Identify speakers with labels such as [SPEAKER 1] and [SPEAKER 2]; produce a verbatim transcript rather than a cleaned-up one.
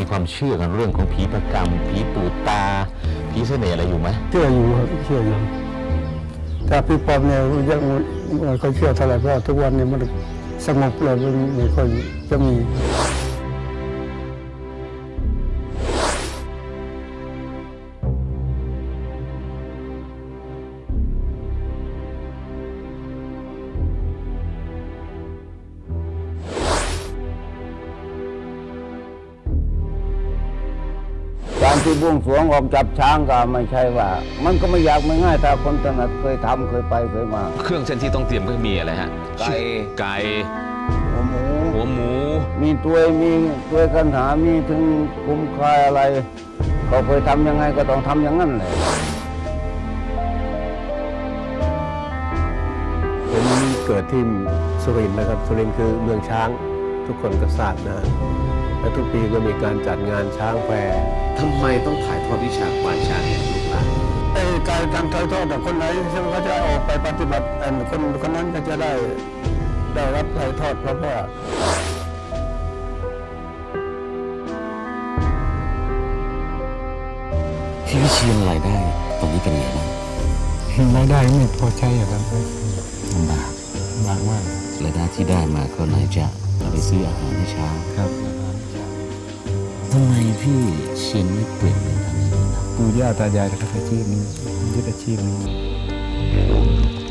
[SPEAKER 1] ความเชื่อกันเรื่องของผีประกรรมผีปู่ตาผีเสน่ห์อะไรอยู่ไหม
[SPEAKER 2] เชื่ออยู่ครับเชื่ออยู่แต่พี่ปอมเนี่ยยังไม่ค่อยเชื่อเท่าไหร่เพราะทุกวันนี้มันสงบเลยไม่ค่อยจะมี
[SPEAKER 3] การที่บวงสรวงออกจับช้างก็ไม่ใช่ว่ามันก็ไม่ยากไม่ง่ายถ้าคนถนัดเคยทำเคยไปเคยมา
[SPEAKER 1] เครื่องเส้นที่ต้องเตรียมก็มีอะไรฮะ
[SPEAKER 3] ไก่
[SPEAKER 1] ไก่
[SPEAKER 3] หัวหมู
[SPEAKER 1] หัวหมู
[SPEAKER 3] มีตัวมีตัวกันหามีถึงคุ้มคายอะไรก็เคยทำยังไงก็ต้องทำอย่างนั้นเลย
[SPEAKER 2] ผมเกิดที่สุรินทร์นะครับสุรินทร์คือเมืองช้างทุกคนก็ทราบนะและทุกปีก็มีการจัดงานช้างแฟร์
[SPEAKER 1] ทำไมต้องถ่ายทอดวิชาควานช้างให้ลูกหลาน
[SPEAKER 2] การทำถ่ายทอดแต่คนไหนซึ่งเขาจะออกไปปฏิบัติคนคนนั้นก็จะได้ได้รับถ่ายทอดเพราะว่า
[SPEAKER 1] พี่วิเชียรรายได้ตอนนี้เป็นไงบ้าง
[SPEAKER 2] รายได้ไม่พอใช้ครับ
[SPEAKER 1] ลำบาก
[SPEAKER 2] ลำบากมาก
[SPEAKER 1] รายได้ที่ได้มาก็ไหนจะเอาไปซื้ออาหารให้ช้าง
[SPEAKER 2] ครับ
[SPEAKER 1] ทำไมพี่เชียรไม่เปลี่ยนเป็นทางนี้นะ
[SPEAKER 2] ปู่ย่าตายายทำอาชีพนี้ยึดอาชีพนี้